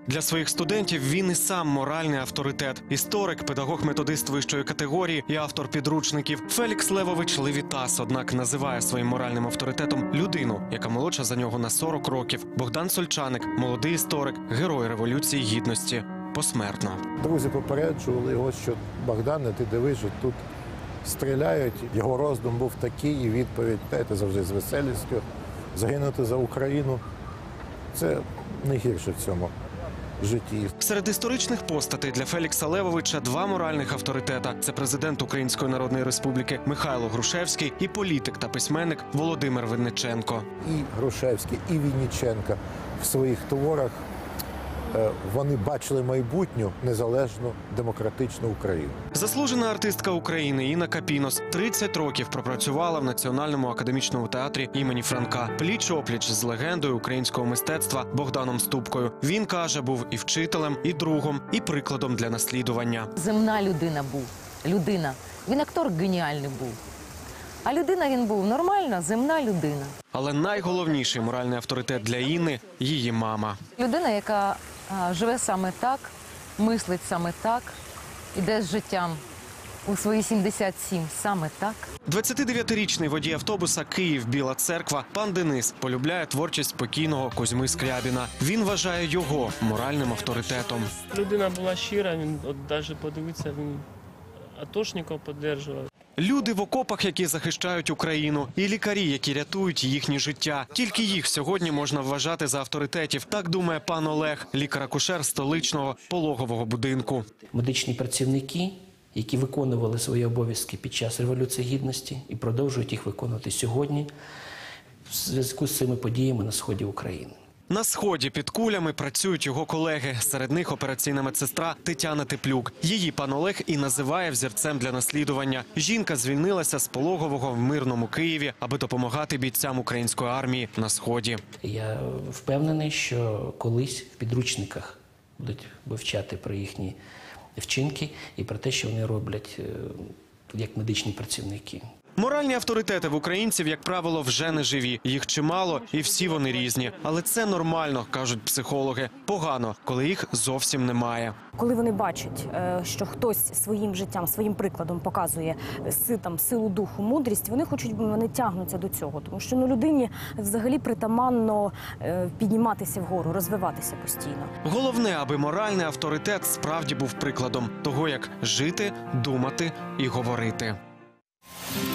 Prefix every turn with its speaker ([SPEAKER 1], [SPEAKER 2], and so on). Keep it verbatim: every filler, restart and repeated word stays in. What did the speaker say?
[SPEAKER 1] Для своїх студентів він і сам моральний авторитет. Історик, педагог-методист вищої категорії і автор підручників. Фелікс Левович Левітас, однак, називає своїм моральним авторитетом людину, яка молодша за нього на сорок років. Богдан Сольчаник – молодий історик, герой Революції Гідності. Посмертно.
[SPEAKER 2] Друзі попереджували його, що Богдане, ти дивись, що тут стріляють. Його роздум був такий, і відповідь, знаєте, завжди з веселістю. Загинути за Україну – це найгірше в цьому житті.
[SPEAKER 1] Серед історичних постатей для Фелікса Левовича два моральних авторитета. Це президент Української Народної Республіки Михайло Грушевський і політик та письменник Володимир Винниченко.
[SPEAKER 2] І Грушевський, і Винниченко в своїх творах вони бачили майбутню незалежну демократичну Україну.
[SPEAKER 1] Заслужена артистка України Інна Капінос тридцять років пропрацювала в Національному академічному театрі імені Франка. Пліч-опліч з легендою українського мистецтва Богданом Ступкою. Він, каже, був і вчителем, і другом, і прикладом для наслідування.
[SPEAKER 3] Земна людина був. Людина. Він актор геніальний був. А людина він був нормальна, земна людина.
[SPEAKER 1] Але найголовніший моральний авторитет для Інни – її мама.
[SPEAKER 3] Людина, яка а, живе саме так, мислить саме так, іде з життям у свої сімдесят сім саме так.
[SPEAKER 1] двадцятидев'ятирічний водій автобуса «Київ-Біла Церква» пан Денис полюбляє творчість покійного Козьми Скрябіна. Він вважає його моральним авторитетом.
[SPEAKER 4] Людина була щира, він от навіть подивитися, він атошників підтримував.
[SPEAKER 1] Люди в окопах, які захищають Україну, і лікарі, які рятують їхні життя. Тільки їх сьогодні можна вважати за авторитетів. Так думає пан Олег, лікар-акушер столичного пологового будинку.
[SPEAKER 5] Медичні працівники, які виконували свої обов'язки під час Революції Гідності і продовжують їх виконувати сьогодні в зв'язку з цими подіями на сході України.
[SPEAKER 1] На сході під кулями працюють його колеги. Серед них операційна медсестра Тетяна Теплюк. Її пан Олег і називає взірцем для наслідування. Жінка звільнилася з пологового в мирному Києві, аби допомагати бійцям української армії на сході.
[SPEAKER 5] Я впевнений, що колись в підручниках будуть вивчати про їхні вчинки і про те, що вони роблять як медичні працівники.
[SPEAKER 1] Моральні авторитети в українців, як правило, вже не живі. Їх чимало і всі вони різні. Але це нормально, кажуть психологи. Погано, коли їх зовсім немає.
[SPEAKER 6] Коли вони бачать, що хтось своїм життям, своїм прикладом показує там, силу духу, мудрість, вони хочуть, вони тягнуться до цього. Тому що ну, людині взагалі притаманно підніматися вгору, розвиватися постійно.
[SPEAKER 1] Головне, аби моральний авторитет справді був прикладом того, як жити, думати і говорити.